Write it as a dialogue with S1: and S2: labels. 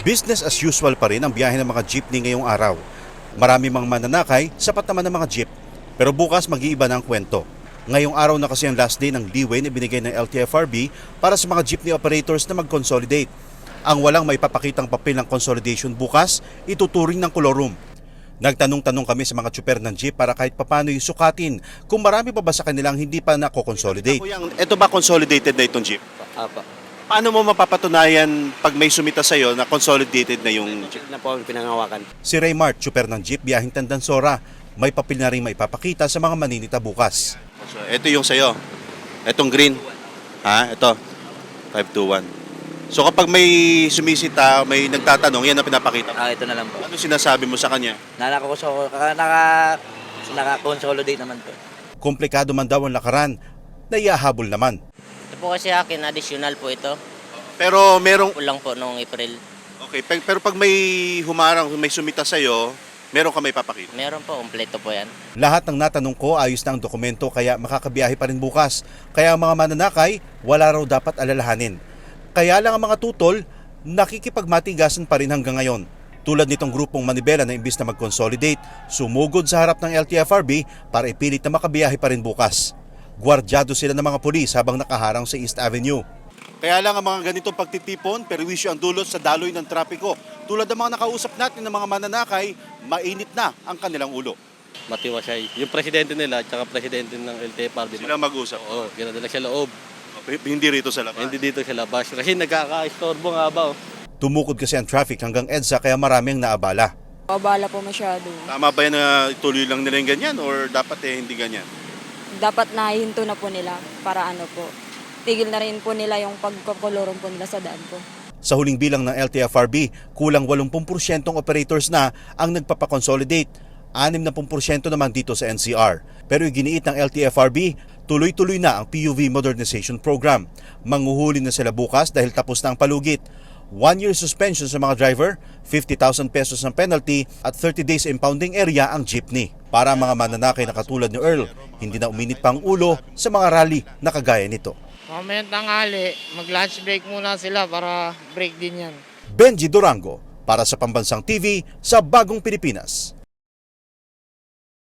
S1: Business as usual pa rin ang biyahe ng mga jeepney ngayong araw. Marami mang mananakay, sapat naman ng mga jeep. Pero bukas mag-iiba na ang kwento. Ngayong araw na kasi ang last day ng leeway na binigay ng LTFRB para sa mga jeepney operators na mag-consolidate. Ang walang may papakitang papel ng consolidation bukas, ituturing ng kolorum. Nagtanong-tanong kami sa mga tsuper ng jeep para kahit papano yung sukatin kung marami pa ba sa kanilang hindi pa nako-consolidate. Ito ba consolidated na itong jeep?
S2: Apa.
S1: Paano mo mapapatunayan pag may sumita sa'yo na consolidated na yung jeep?
S2: Na po ang pinangawakan.
S1: Si Raymart, tsuper ng jeep biyahing Tandansora, may papel na rin maipapakita sa mga maninita bukas. So, ito yung sa'yo. Itong green. Ito. 521. So kapag may sumisita, may nagtatanong, yan ang pinapakita.
S2: Ito na lang po.
S1: Ano sinasabi mo sa kanya?
S2: Naka-consolidate naman po.
S1: Komplikado man daw ang lakaran, naiahabol naman.
S3: Ito po kasi akin, additional po ito.
S1: Pero merong...
S3: Kulang po noong April.
S1: Okay, pero pag may humarang, may sumita sa'yo, meron ka may papakita?
S3: Meron po, kompleto po yan.
S1: Lahat ng natanong ko ayos na ang dokumento kaya makakabiyahe pa rin bukas. Kaya ang mga mananakay, wala raw dapat alalahanin. Kaya lang ang mga tutol, nakikipagmatigasan pa rin hanggang ngayon. Tulad nitong grupong Manibela na imbis na mag-consolidate, sumugod sa harap ng LTFRB para ipilit na makabiyahe pa rin bukas. Gwardyado sila ng mga pulis habang nakaharang sa East Avenue. Kaya lang ang mga ganitong pagtitipon, perwisyo ang dulot sa daloy ng trapiko. Tulad ng mga nakausap natin ng mga mananakay, mainit na ang kanilang ulo.
S4: Matiwasay. Yung presidente nila at saka presidente ng LTFRB.
S1: Sila mag-usap.
S4: Oo, ginadala sa loob.
S1: Hindi rito sa labas.
S4: Hindi dito sa labas. Kasi nagkaka-istorbo nga ba.
S1: Tumukod kasi ang traffic hanggang EDSA kaya marami ang naabala.
S5: Abala po masyado.
S1: Tama ba yan na ituloy lang nila yung ganyan or dapat hindi ganyan?
S5: Dapat nahinto na po nila para ano po. Tigil na rin po nila yung pagkakolorum po nila sa daan po.
S1: Sa huling bilang ng LTFRB, kulang 80% ng operators na ang nagpapakonsolidate. 60% naman dito sa NCR. Pero iginiit ng LTFRB, tuloy-tuloy na ang PUV Modernization Program. Manghuhuli na sila bukas dahil tapos na ang palugit. 1-year suspension sa mga driver, 50,000 pesos ng penalty at 30 days impounding area ang jeepney. Para ang mga mananakay na katulad ni Earl, hindi na uminit pa ang ulo sa mga rally na kagaya nito.
S6: Mamayang tanghali, mag-lunch break muna sila para break din yan.
S1: Benji Durango, para sa Pambansang TV sa Bagong Pilipinas.